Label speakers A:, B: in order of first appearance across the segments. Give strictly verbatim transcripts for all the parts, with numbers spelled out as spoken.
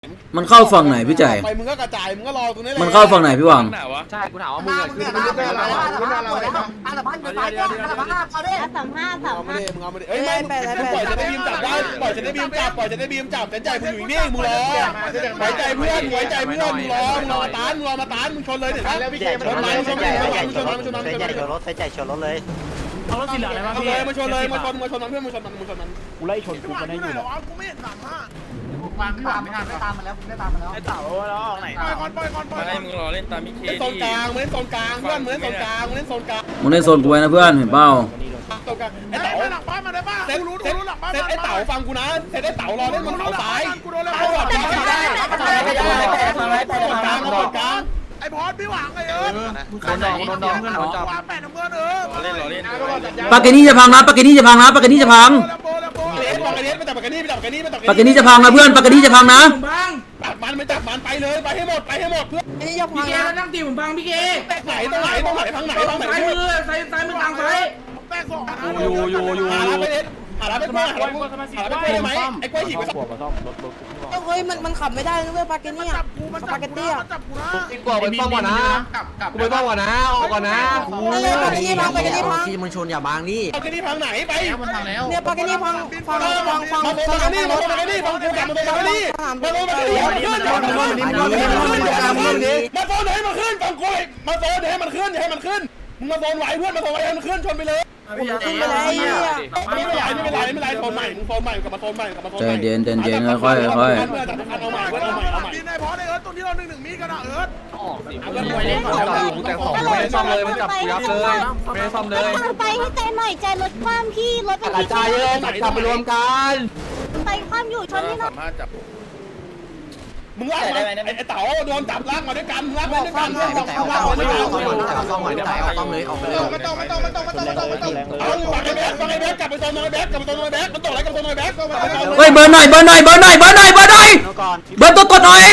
A: มันเข้าฝั่งไหนพี่ใจไป
B: มึงก็กระจายมึงก็รอตรงนี้แหละ
A: มันเข้าฝั่งไหนพี่หวัง
C: ใช่กูถามว่ามึงอะคือมึงเป็นอะไรมึงเป็นอะไรอาสามพันเดี๋ยวตายก่อนอาสามห้าเอาดิ
D: อาสามห้าสามห้า
B: มึงเอามาดิเอ้ยไม่ปล่อยจะได้บีมจับได้ปล่อยจะได้บีมจับปล่อยจะได้บีมจับแต่ใจมึงอยู่นี่มึงรอไว้ใจเพื่อนไว้ใจเพื่อนมึงรอมึงรอมาตานมึงรอมาตานมึงชนเลยเดี๋ยวนะชนมันชนมันชนมันชนมันชนมันชนมันชนรถใส่ใจชนรถเลย
E: เอารถสีเหลืองเลยป่ะพี่
B: มาชนเลยมาชนมาชนมันเพื่อนมาชนมันมาชนมัน
E: กูไล่ชนกูจะได้อยู่
C: กูไม่เห็นสามห้าฟังพี่หวานไม่ทันไม่ตามมาแล้วไม่ตามมาแล้ว
E: ไอ้เต่าแล้วออกไหน
C: ปล่อยก่อนปล่อยก่อนปล่อย
F: ให้มึงรอเล่นตามมิเค
B: เล่นโซนกลางมึงเล่นโซนกลางเพื่อนมึงเล่นโซนกลางมึงเล่นโซนกลาง
A: มึงเล่นโซนกูไว้นะเพื่อนเห็นเปล่า
B: โซนกลางไอ้
C: ไอ้
B: เต๋า
C: เต๋าหลังบ้านมาได้ป่ะกูรู้รู้หลังบ้าน
B: เซตไอ้เต๋าฟังกูนะเซตไอ้เต๋ารอเล่นบนเขาซ้าย
C: กูโดนแล้ว
B: เอาแบบนี้ได้โซนกลางโซนกลาง
C: ไอ้พอดพี่หวังไอ้เอิร์ธ
E: โดนดองโดนดองเพื่อนโดนจับ
C: วางแปดน้ำเงินเออ
F: รอเล่นรอเล่น
A: ปากเกนี่จะพังนะปากเกนี่จะพังนะปากเกนี่จะพัง
B: เลสปากกาเนสไปจับปากกานี่ไปจับปากกานี่ไปจับ
A: ปากเกนี่จะพังนะเพื่อนปากเกนี่จะพังนะ
B: จับมันไปจับมันไปเลยไปให้หมดไปให้หมดเพื่อน
D: นี่ยก
E: พี่เกนั่งตีผมบังพี่เก
B: ไหนตรงไหนตรงไหนทางไหนทางไหน
E: ซ้ายมือซ้ายซ้ายมือกลางซ้าย
C: แป้งสอง
E: อยู่อยู่อยู่
B: หาร้านไปเลสหาร้านไปกล้วยหาร้านไปกล้วยได้ไหมไอ้กล้วยหิบไปสัก
D: เฮ้ยมันมันขับไม่ได้นะเว้ยปาเกนี่อ่ะ
C: จับกูมันจับกูนะจับกูนะ
E: กูไปป้องก่อนนะกูไปป้องก่อนนะออกก่อนนะ
D: เออปาเกนี่พังปาเกนี่พัง
G: ที่มึงชนอย่าบางนี่
B: ปากกานี่พังไหนไป
D: เนี่ยปาเกนี่พังฟังฟังฟัง
B: มาโดนปากกานี่มาโดนปากกานี่ฟังกูกลับมาโดนปากกานี่มาโดนปากกานี่มาขึ้นมาขึ้นมาโดนให้มันขึ้นฟังกูมาโดนให้มันขึ้นให้มันขึ้นมึงมาโดนไหวเพื่อนมาโดนไหวให้มันขึ้นชนไปเลย
D: ขึ้นไปเลยอ่ะ
B: ไม่เป็นไรไม่เป็นไรไม่เป็นไรโซนใหม่มึงโซนใหม่กลับมาโซนใหม่กลับมาโซน
A: ใจ
B: ใหม่
A: เย็นใจเย็นค่อยๆค่อย
B: เอาใหม่เอาใหม่เอาใหม่เอาใหม่
C: บินไอ้พอไอ้เอิร์ธตรงที่เราหนึ่งหนึ่งมีกันอ่ะเอิร์ธ
E: ไปเล่นก่อนแต่สองไม่ได้ซ่อมเลยมันจับยับเลยไม่ได้ซ่อมเลย
D: ไปให้ใจหน่อยใจรถความพี่รถเป็น
E: กระจายเลยกลับไปรวมกัน
D: ไปความอยู่ชนนี่หน่อย
F: สามารถจับ
B: มึงลากมาไอ้เต๋าโดนจับลากมาด้วยกันลากมาด้วยกัน
G: แต่เอาซ่อมไม่เอาซ่อมไม่เอาซ่อมหน่อยแต่เอาซ่อมเลยออกไปเลย
C: ไม่ต้องไม่ต้องไม่ต้องไม่ต้องไม่ต้องไม่ต้อง
B: เอาฝั่งไอ้แบ๊กฝั่งไอ้แบ๊กกลับไปโซนน้อยแบ๊กกลับไปโซนน้อยแบ๊กมันตกอะไรกับโซนน้อยแบ๊ก
A: ๆเฮ้ยเบิร์นหน่อยเบิร์นหน่อยเบิร์นหน่อยเบิร์นหน่อยเบิร์นหน่อยเบิร์นตัวกดหน่อย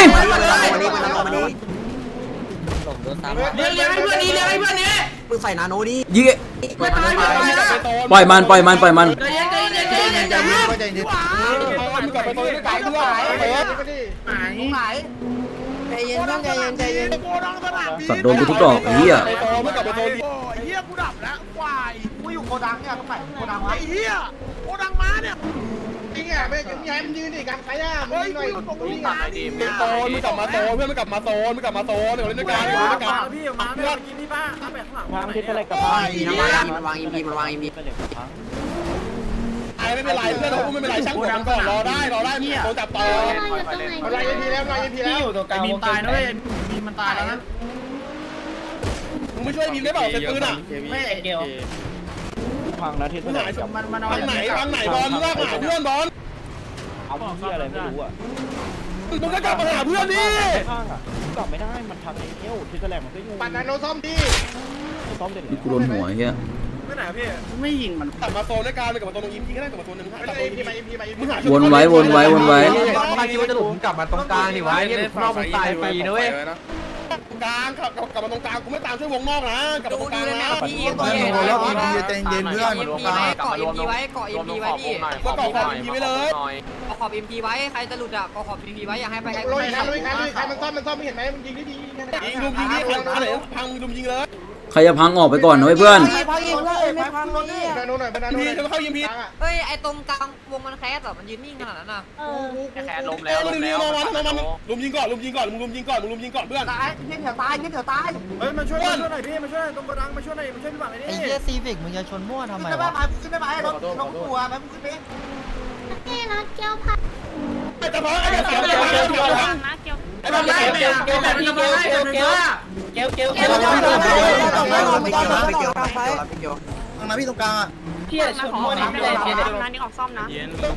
E: เลี้ยงเลี้ยงให้เพื่อนนี้เลี้ยงให้เพื่อนนี้
G: มึงใส่นาโนดิ
A: ยิง
E: ไม่ตายไม่ตายนะ
A: ปล่อยมันปล่อยมันปล่อยมัน
E: ใจเย็นใจเย็นใจเย็นใจเย็นใจเย็น
B: มึงกลับไปโซนด้วยกันเพื่อนไอ้เบ๊ก
C: ไหนไหน
D: ใจเย็นเพื่อนใจเย็นใจเย็น
C: โกดังสนามบิน
A: สัตว์โดนกูทุกดอกไอ้เหี้ย
B: ไปโซนมึงกลับไปโซน
C: โอ้ยเฮียกูดับแล้วควายกูอยู่โกดังเนี่ยต้องไปโกดังไอ้เฮียโกดังมาเนี่ยจริงอ่ะไม่ยังไงมันยืนดิกันใครอ่ะเฮ้ยกูอยู่ตรงนี้นะดิ
B: โซนมึงกลับมาโซนเพื่อนมึงกลับมาโซนมึงกลับมาโซนเดี๋ยวเล่นด้วยกันเล่นด้วยกัน
C: พี่มาเพื่อนกินพี่ป้าถ้าแบบข้างหลัง
E: วางทิศอะไรกับ
G: มันวางอิมพีมันวางอิมพี
B: ไอ้ไม่เป็นไรเพื่อนเราไม่เป็นไรช่างหัวมันก่อนรอได้รอได้โซนจับต่อ
C: อะไรยังพีแล้วอะไรยังพีแล้ว
E: อยู่ตรงกลางมีตายนะเว้ยมีมันตายแล้วนะ
B: มึงไม่ช่วยบีมได้เปล่าเซตปืนอ่ะ
E: ไม่เกี่ยวพังนะทิศ
B: มึงหา
E: มันมัน
B: ทางไหนทางไหนบอลมึงลากมาหาเพื่อนบอล
E: เอาที่อะไรไม่รู้อ่ะ
B: มึงก็กลับมาหาเพื่อนดิ
E: ข้างอ่ะกลับไม่ได้มันทางไอ้เที่ยวทิศแหลมมันก็อยู่
C: ปั่นนาโนซ่อมดี
E: ซ้อมเสร็จ
A: นี่กูโดนหัวไอ้เหี้ย
C: ไม่ไหนพี่
E: ไม่ยิงมัน
B: กลับมาโซนด้วยกันไปกลับมาโซนตรงอิมพีก็ได้กลับมาโซนหนึ่ง
C: ไม่
B: กลับ
C: ได้
B: มา
C: พีมาพีมา
B: มึงหา
A: วนไว้วนไว้วนไว้
E: ถ้าคิดว่าจะหลุดกลับมาตรงกลางดิวะเนี่ยนอกมันตายฟรีนะเว้ย
B: กลางกลับกลับมาตรงกลางกูไม่ตามช่วยวงนอกนะกลับมาตรงกลางนะ
G: พี่เพื่อนแล้วอิมพีใจเย็นเพื่อน
H: เกาะเอ็มพีไว้เกาะเอ็มพีไว้พี่
B: ก็เกาะขอบอิมพีไปเลย
H: เกาะขอบเอ็มพีไว้ใครจะหลุดอ่ะเกาะขอบเอ็มพีไว้อย่าให้ไปใคร
C: ลุยครับลุยครับลุยครับมันซ่อมมันซ่อมไม่เห็นไหมมันยิงได้ดี
B: ยิงลุมยิงนี่พังอะไรพังลุมยิงเลย
A: ใครจะพังออกไปก่อนนะเว้ยเพื่อน
D: พังอีกเพื่อนไม่พังนี่
C: นาโนหน่อยนา
B: อิ
C: โน
B: มพี
C: หน่อย
B: จะมาเข้าอิมพี
H: เฮ้ยไอตรงกลางวงมันแคสอ่ะมันยืนนิ่งขนาดนั้นอ่ะ
D: เออ
H: แคสลม
B: เอ้ยมึงยิงมาวันมามันลุมยิงก่อนลุมยิงก่อนมึงลุมยิงก่อนมึงลุมยิงก่อนเพื่อน
C: ตายเงี้ยเถียวตายเงี้ยเถียวตายเฮ้ยมาช่วยมาช่วยหน่อยพี่มาช่วยตรงกระดังมาช่วยหน่อยมาช่วยพี่บังไอ้นี่
G: ไอ้เหี้ยซีฟิกมึงจะชนมั่วทำไม
C: ขึ้นได้
G: วะ
C: ไหมขึ้นได้ไหมรถรถตัวไหมมึงขึ้นไป
D: นี่นะแก้วพัง
B: ไอ้จะพังไอ้จะพังไอ้จะพังไอ้จะพัง
D: นะแก้ว
B: ไอ้จะพังไอ้จะพัง
E: เกลแบบนี้เกลเกลเกลเกลเกลเกล
G: ไม่เกี่ยวนะไม่เกี่ยวไม่เกี่ยวไม่เกี่ยวทางนั้นพี่ตรงกลางอ่ะ
H: พี่ชนมั่วนะไม่ได้พี่นะนี่ออกซ่อมนะ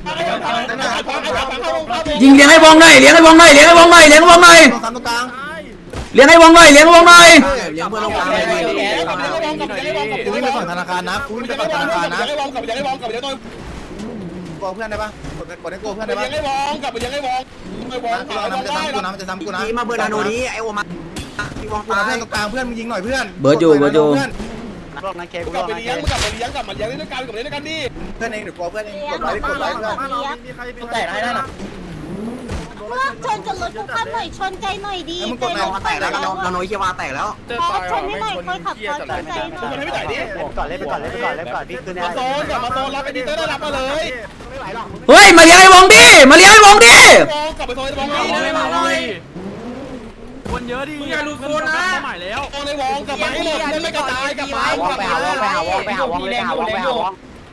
A: ยิงเลี้ยงให้วงหน่อยเลี้ยงให้วงหน่อยเลี้ยงให้วงหน่อยเลี้ยงให้วงหน่อย
G: ตรงกลาง
A: เลี้ยงให้วงหน่อยเลี้ยงให้วงหน่อย
G: เลี้ยงเพื่อนตรงกลางเลยกูวิ่งไปฝั่งธนาคารนะกูวิ่งไปฝั่งธนาคารนะ
B: ยังไงวองกับยังไงวองกับยังไงตัว
G: กลัวเพื่อนได้ปะกดกดให้กลัวเพื่อนได้ปะ
B: ยังไงวองกับยังไงวองไม่วอง
G: พี่วางน้ำจะซ้ำกูนะมันจะซ้ำกูนะ
I: พี่มาเบอร์นาโนนี้ไอโอมาพี่วาง
G: กูนะเพื่อนตรงกลางเพื่อนมึงยิงหน่อยเพื่อน
A: เบิร์ดอยู่เบิร์ดอยู่
I: รอบนั้นเคกู
B: กลับไปเลี้ยงกลับไปเลี้ยงกลับมาเลี้ยงด้วยกันกลับมาเลี้ยงด้วยกันดิ
G: เพื่อนเองเดี๋ยวกลัวเพื่อนเองกดไว้กดไว้เพื่อน
C: แต่ได้ได้หรอ
D: พวกชนกับรถกูคันหน่อยชนใจหน่อยดี
I: นาโนแตกแล้วนาโนนาโนเชียวาแตกแล้ว
D: พอชนให้หน่อยคนขับพอชนใจหน่
B: คน
D: อย
B: ให้ไม่จ่ายดิ
I: ก่อนเล่นไปก่อนเล่นไปก่อนเล่นไปก่อนพี่ขึ้นได้
B: มาโซนกลับมาโซนรับไอ้ดิเตอร์ได้รับมาเลย
A: เฮ้ยมาเลี้ยงไอ้วงดิมาเลี้ยงไอ้วงดิ
B: โซนกลับไปโซนไอ้บอล
E: ไม่มาเลยคนเยอะดิมึงอย่าลุกโซนนะใหม่แล้ว
B: โซนไอ้วองกลับมาให้หมดเล่นไม่กระจายกลับมากลับ
I: ไป
B: มา
I: หาวองไปหาวองไปหาวองเลยหาวองไปหาวอง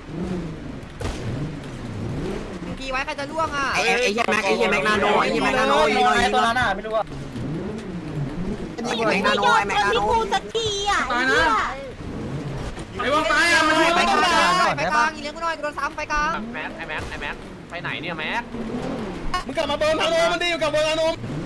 H: พีไว้ใครจะล่วงอ่ะ
I: ไอ้ไอ้เหี้ยแม็กไอ้เหี้ยแม็กนาโนไอ้เหี้ยแม็กนาโนยิงหน่อยยิงหน่อย
D: ไม่ยอมชนที่กูสักทีอ่ะ
E: ไอ้วงตายอ่ะมัน
H: ไปกลางไปกลางอีเลี้ยงกูหน่อยกูโดนซ้ำไปกลาง
E: แม็กไอ้แม็กไอ้แม็กไปไหนเนี่ยแม็ก
B: มึงกลับมาเบิร์นนาโนมันดีอยู่กับเบิร์นนาโน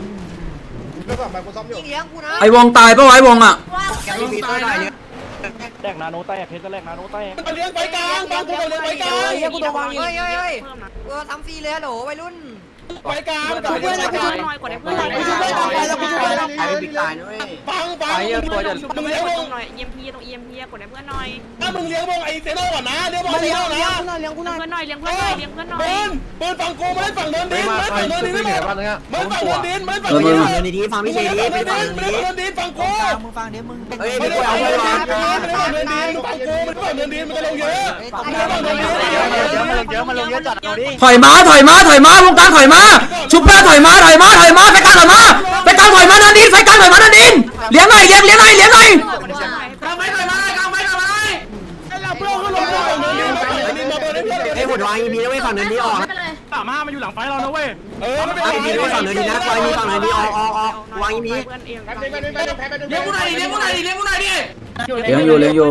H: อีเลี้ยงกูนะ
A: ไอ้วงตายปะวะไอ้วงอ่ะ
I: แกมีมีตัวไหนเนี่ย
B: มาเลี้ยงไปกลางบางกูมาเลี้ยงไปกลาง
H: เฮ้ยเฮ้ยเฮ้ยเฮ้ยกูโดนซ้ำฟรีเลยฮัลโหลวัยรุ่น
B: ไปกลาง
D: เพื่อนกูชนหน่อยกดให้เพื่อนหน่อย
I: ไอ้บิ๊กตายด้วย
B: ฟังฟังมึงเลี้ยงวง
F: หน่อย อี เอ็ม พี ตรง อี เอ็ม พี กดให้เพื่อนหน่อย
B: ถ้ามึงเลี้ยงวงไอ้เซโน่ก่อนนะเลี้ยงวงเซโน่นะ
F: เลี้ยงเพื่อนหน่อยเลี้ยงเพื่อนหน่อยเลี้ยงเพื่อนหน่อย
B: เบิร์นเบิร์นฝั่งกูมาเล่นฝั่งเนินดินมาเล่นฝั่งเนินดินไม่หมดมาเล่นฝั่งเนินดินมาเล่นฝั่งเนินดิน
I: เดินดีๆฟังพี่เชดี
B: มา
I: ไป
B: เล่น
I: ฟัง
B: ฝั่งเนินดินมาเล่นฝั่งเนินดินฝั่งกู
G: มึงฟังเดี๋ยวมึง
I: เฮ้ย
B: ไม่
I: ไม่
B: ได้
I: ได้
B: ฝั่
I: เอา
B: ง
I: เล
B: เนิ
I: ย
B: นดินไม่ได้ฝั่งเนินดินฝั่งกูมันฝั่งเนินดินมันจะลงเยอะ
I: เยอะมาลงเยอะมาลงเยอะจัดเอาดิ
A: ถอยมาถอยมาถอยมาวงกลางถอยมาชุบเพื่อนถอยมาถอยมาถอยมาไปกลางถอยมาไปกลางถอยมานันดินไปกลางถอยมานันดินเลี้ยงหน่อยเลี้ยงเลี้ยงหน่อยเลี้ยงหน่อย
E: กางไม้หน่อยมากางไม้หน่อยมาเลย
B: เพื่อนเขาลงฝั่งเนินดินฝั่งเนินดินมาเบิร์นให้เพื่อน
I: ไอ้หัววางอีมีนะเว้ยฝั่งเนินดีออก
E: สามห้ามาอยู่หลังไฟเรานะเว้ย
B: เออไม่เป็น
I: ไอ้
B: ไร
I: มีด้วยฝั่งเนินดีนะไฟมีฝั่งเนินดีออกออกออกวางอีมี
F: เพื่อนเอง
E: เลี้ยงกูหน่อยดิเลี้ยงกูหน่อยดิเลี้ยงกูหน่อยดิ
A: เลี้ยงอยู่เลี้ยงอยู่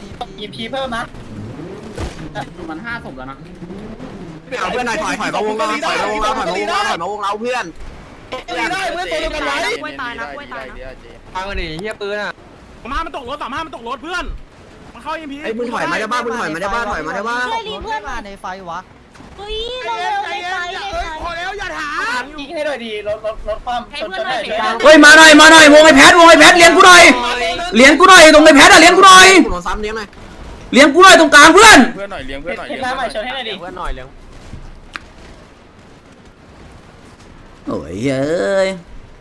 I: เอาเพื่อนหน่อยถอยถอยมาวงเราถอยมาวงเราถอยมาวงเราถอยมาวงเราเพื่อน
B: ไม่ได้เพื่อนตัวเดียวกันไว้
F: กล้วยตายนะกล้วยตายนะ
E: ฟังกันดิเฮียปืนอ่ะสามห้ามันตกรถสามห้ามันตกรถเพื่อนมันเข้าอีพี
I: ไอ้มึงถอยมาได้บ้ามึงถอยมาได้บ้าถอยมาได้บ้า
D: ช่วยรีเพื่อน
G: มาในไฟวะ
D: เฮ้ยเราเร็วในไฟในไฟ
C: พอแล้วอย่าถาม
F: ให้เพื่อนหน่อยเด็ก
A: เฮ้ยมาหน่อยมาหน่อยวงไอ้แพทวงไอ้แพทเลี้ยงกูหน่อยเลี้ยงกูหน่อยตรงไอ้แพทอะเลี้ยงกูหน่อย
I: โดนซ้ำเนี้ยหน่อย
A: เลี้ยงกูหน่อยตรงกลางเพื่อน
B: เพื่อนหน่อยเลี้ยงเพื่อนหน่อย
E: เลี้ยงเพื่อนหน่อยเลี้ยงเพื่อนหน่อยเลี้ยง
A: โอ้ยเอ้ย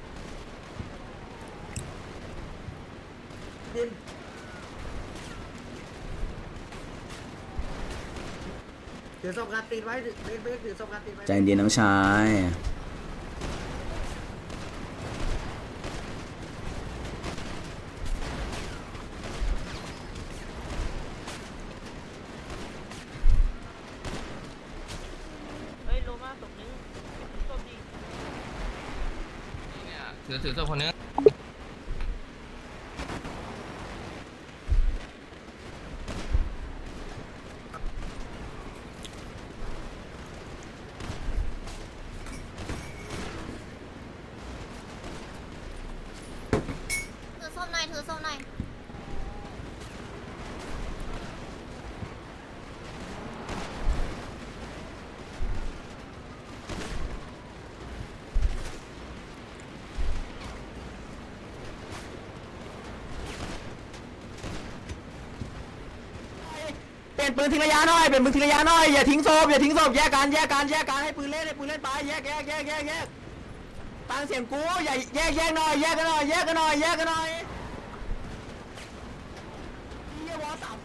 I: ถือศพการตีนไว้ไม่ถือศพการตีนไว้
A: ใจเย็นน้องชาย
F: เฮ้ยโลมาตกนึงตกดี
E: ถือถือตัวคนนึง
D: ถือส้มหน่อยถือส้มหน่อย
I: เปลี่ยนปืนทิ้งระยะหน่อยเปลี่ยนปืนทิ้งระยะหน่อยอย่าทิ้งศพอย่าทิ้งศพแยกกันแยกกันแยกกันให้ปืนเล่นให้ปืนเล่นไปแยกแยกแยกแยกแยกตั้งเสียงกูอย่าแยกแยกหน่อยแยกกันหน่อยแยกกันหน่อยแยกกันหน่อยเยี่ยวอสับ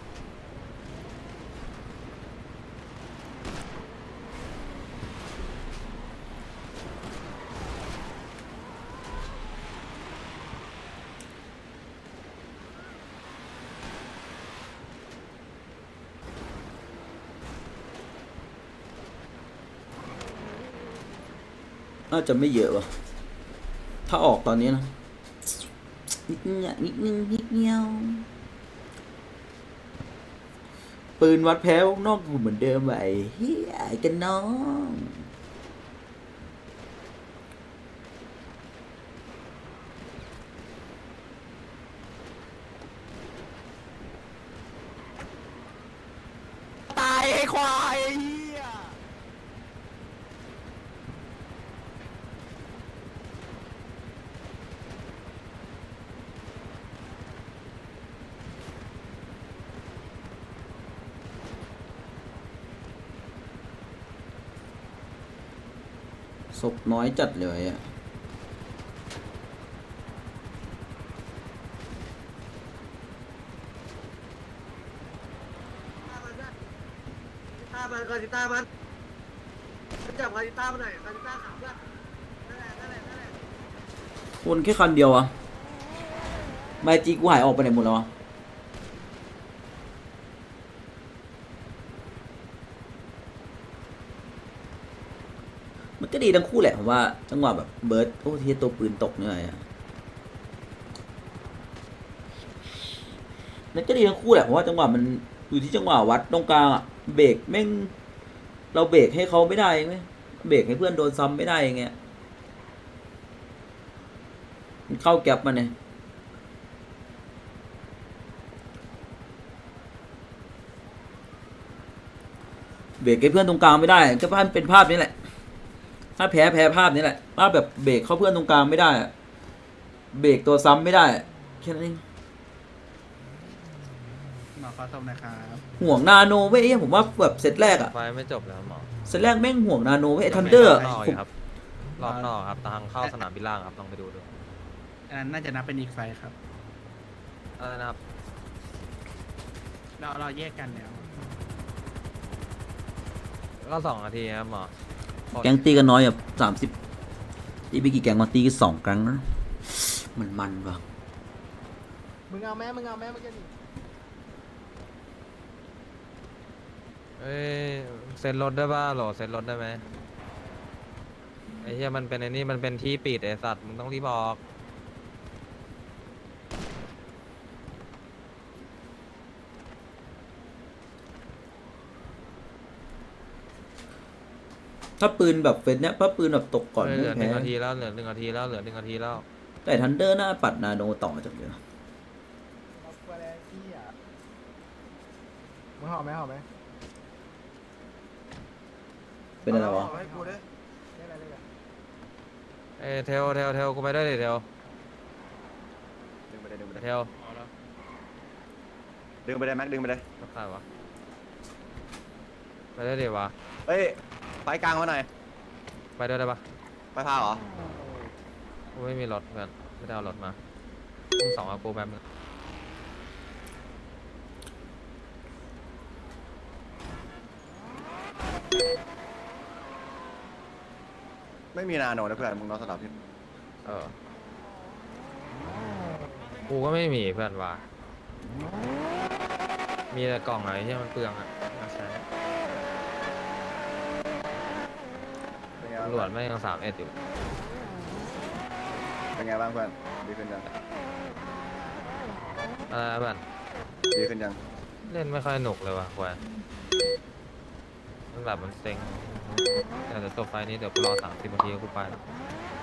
A: น่าจะไม่เยอะวะถ้าออกตอนนี้นะนิดนึงนิดนึงนิดเดียวปืนวัดแพ้วนอกอยู่เหมือนเดิมไว้เฮียกันน้อง
I: ตายไอ้ควายเฮีย
A: ศพน้อยจัดเลยอ่ะ
C: ตามันกอติต้ามันจับกอติต้ามาหน่อยกอติต้าขาวเพื่อนนั่นแหละนั่นแหละนั่นแหละ
A: วนแค่คันเดียวอ่ะไมจีกูหายออกไปไหนหมดแล้ววะมันก็ดีทั้งคู่แหละผมว่าจังหวะแบบเบิร์ดโอ้ที่ตัวปืนตกเนี่ยอ่ะมันก็ดีทั้งคู่แหละผมว่าจังหวะมันอยู่ที่จังหวะวัดตรงกลางอ่ะเบรกแม่งเราเบรกให้เขาไม่ได้ไหมเบรกให้เพื่อนโดนซ้ำไม่ได้อย่างเงี้ยมันเข้าแก๊ปมาเนี่ยเบรกให้เพื่อนตรงกลางไม่ได้ก็ภาพเป็นภาพนี้แหละถ้าแพ้แพ้ภาพนี้แหละภาพแบบเบรกเข้าเพื่อนตรงกลางไม่ได้เบรกตัวซ้ำไม่ได้แค่นั้นเอง
G: หมอขอโทษนะครับ
A: ห่วงนาโนเว้ยผมว่าแบบเซตแรกอะ
E: ไฟไม่จบแล้วหมอ
A: เซตแรกแม่งห่วงนาโนเว้ยทันเดอร์
E: รอบนอกครับรอบนอกครับทางเข้าสนามบินล่างครับลองไปดูดู
G: อันนั้นน่าจะนับเป็นอีกไฟครับ
E: อะไรนะครับ
G: เราเราแยกกันแล้ว
E: ก็สองนาทีครับหมอ
A: แก๊งตีกันน้อยแบบสามสิบตีไปกี่แก๊งมาตีกันสองครั้งนะมันมันว่ะ
C: มึงเอาแม่มึงเอาแม่มึงจะหนี
E: เอ้ยเซ็นรถได้ป่ะโหลเซ็นรถได้ไหมไอ้เหี้ยมันเป็นไอ้นี่มันเป็นที่ปิดไอ้สัตว์มึงต้องรีบออก
A: ถ้าปืนแบบเฟสเนี้ยถ้าปืนแบบตกก่อน
E: เฮ้ยเหลือหนึ่
A: ไม่แพ้
E: งนาทีแล้วเหลือหนึ่งนาทีแล้วเหลือหนึ่งนาทีแล้ว
A: แต่ทันเดอร์หน้าปัดนาโนต่อจากเดิม
C: เอาไปแล้วที่อ่ะมึงหอมไหมหอมไหม
A: เป็นอะไรวะ
C: ให้กูด้วยได้อะไรได้อะไร
E: เอ้ยเทลเทลเทลกูไปด้วยดิเทล
G: ดึงไปเลยดึงไปเลย
E: เทล
G: ดึงไปเลยแม็กดึงไปเลย
E: รักษาวะไปได้ดิวะ
G: เฮ้ยไฟกลางมาหน่อย
E: ไปด้วยได้ปะ
G: ไฟพาเหรอ
E: กูไม่มีรถเพื่อนไม่ได้เอารถมาต้องสองเอากูแป๊บนึง
G: ไม่มีนาโนนะเพื่อนมึงนอนสลับที่
E: เออกูก็ไม่มีเพื่อนว่ะมีแต่กล่องไหนที่มันเปลืองอ่ะมาใช้
G: เป็นไง
E: ตำรวจไม่ยังสามเอ็ดอยู่
G: เป็นไงบ้างเพื่อนดีขึ้นยัง
E: อะไรนะเพื่อน
G: ดีขึ้นยัง
E: เล่นไม่ค่อยหนุกเลยว่ะควายมันแบบมันเซ็งแต่เดี๋ยวจบไฟนี้เดี๋ยวกูรอสามสิบนาทีก็กูไปแล้ว